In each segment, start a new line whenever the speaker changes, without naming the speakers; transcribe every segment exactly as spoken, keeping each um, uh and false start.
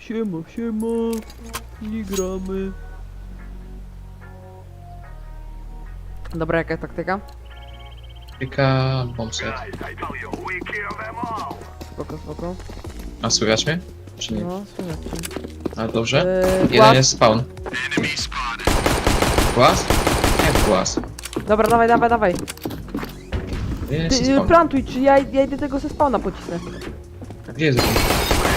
Siema, siema. Nie gramy. Dobra, jaka taktyka?
Tyka bombset.
Spoko, spoko.
A słychać mnie? Czy nie?
No, słychać cię.
A dobrze?
Eee,
Jeden
głaz.
jest spawn. Głaz? Jak głaz?
Dobra, dawaj, dawaj, dawaj.
Jeden jest
Ty,
spawn.
plantuj, czy ja, ja idę tego ze spawna pocisnę.
A gdzie jest drugi?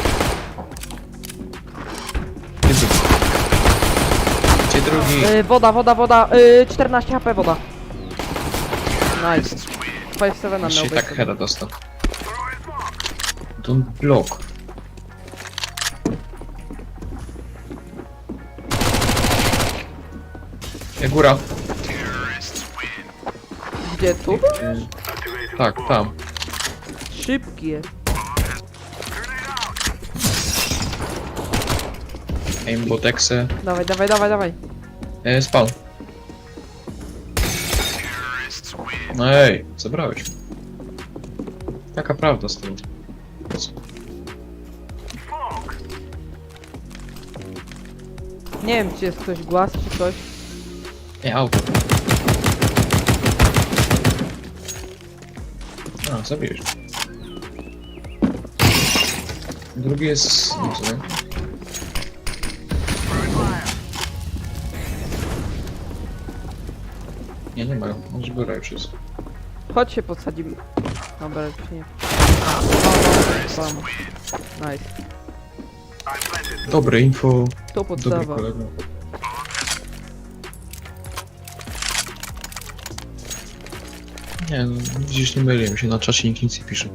Gdzie jest drugi? Gdzie drugi?
Yy, woda, woda, woda. Yy, czternaście H P woda. Nice. pięć siedem na
Jeszcze i
obecnie.
tak heada dostał. Don't block. E, góra.
Gdzie tu?
E, tak, tam.
Szybki jest.
Aimbotexe.
Dawaj, dawaj, dawaj, dawaj.
E, spawn. No ej, zabrałeś. Taka prawda z tym.
Nie wiem, czy jest ktoś głaz, czy coś.
Nie, auto. A, zabiłeś. Drugi jest... nie wiem. Nie, nie ma. Może góra już jest.
Chodź się podsadzimy. Dobra, już nie. O, no, nice.
Dobre info.
To
Dobry
podstawa.
kolega. Nie, no, widzisz, nie myliłem się, na czacie nikt nic nie pisze.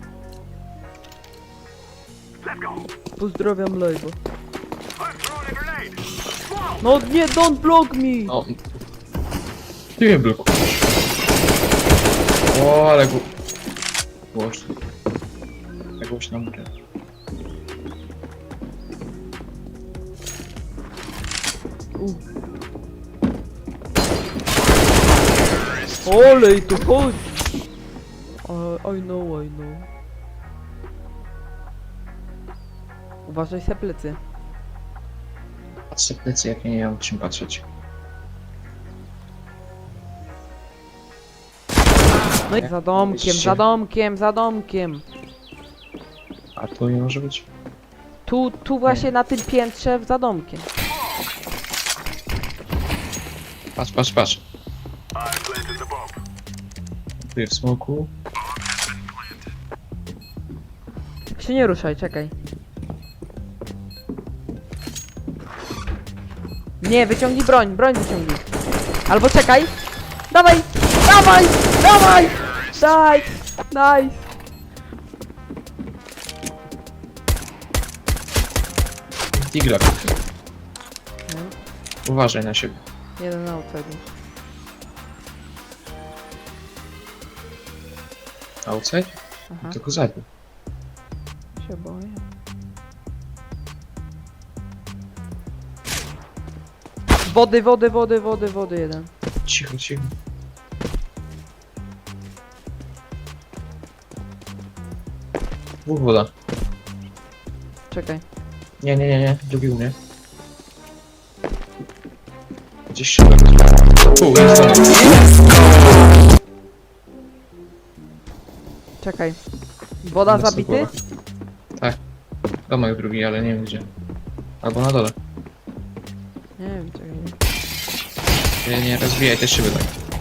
Pozdrawiam live'a. No nie, don't block me!
O, ty mnie blokujesz. O, ale go... Głośno. Jak głośno mówię.
U. Olej, tu chodzi! Uh, I know, I know. Uważaj se plecy.
Patrzę w plecy, jak ja nie mam czym patrzeć.
No i za domkiem, za domkiem, za domkiem.
A to nie może być?
Tu, tu właśnie na tym piętrze za domkiem.
Patrz, patrz, patrz. Tu jest w smoku.
Tak się nie ruszaj, czekaj. Nie, wyciągnij broń, broń wyciągnij. Albo czekaj. Dawaj, dawaj, dawaj! Daj, daj.
Digla. Uważaj na siebie.
Jeden na outside.
Outside?
Aha,
Tylko zabił.
się boję. Wody, wody, wody, wody, wody jeden.
Cicho, cicho. Dwóch woda.
Czekaj.
Nie, nie, nie, nie. Drugi u mnie. Gdzieś się... Tu, jest tam.
Czekaj. Woda
Jest to
zabity?
głowa. Tak. Domek drugi, ale nie wiem gdzie. Albo na dole.
Nie wiem, czekaj.
Nie, nie, rozwijaj te szyby tak.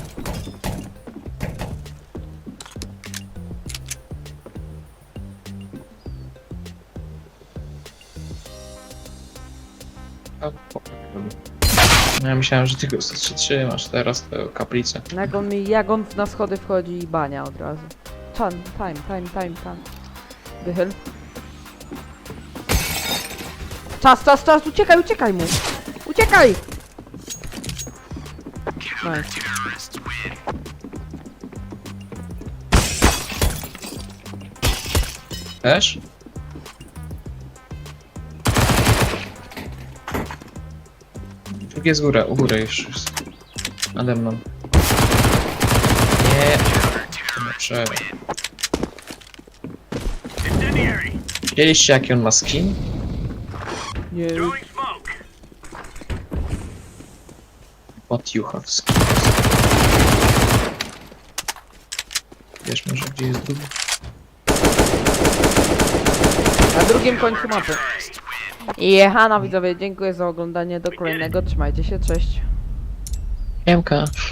A, po- No ja myślałem, że ty go trzymasz teraz tę kaplicę.
Jak on mi, jak on na schody wchodzi i bania od razu. Chan, time, time, time, time. Wychyl. Czas, czas, czas, uciekaj, uciekaj mu! Uciekaj! Nice.
Też? Drugie z góry, u góry już jest. Nade mną. Nie. Dobrze. Widzieliście jaki on ma skin?
Nie.
What you have skills. Wiesz może gdzie jest drugi?
Na drugim końcu mapy. Jechana widzowie, dziękuję za oglądanie. Do kolejnego, trzymajcie się, cześć.
Siemka.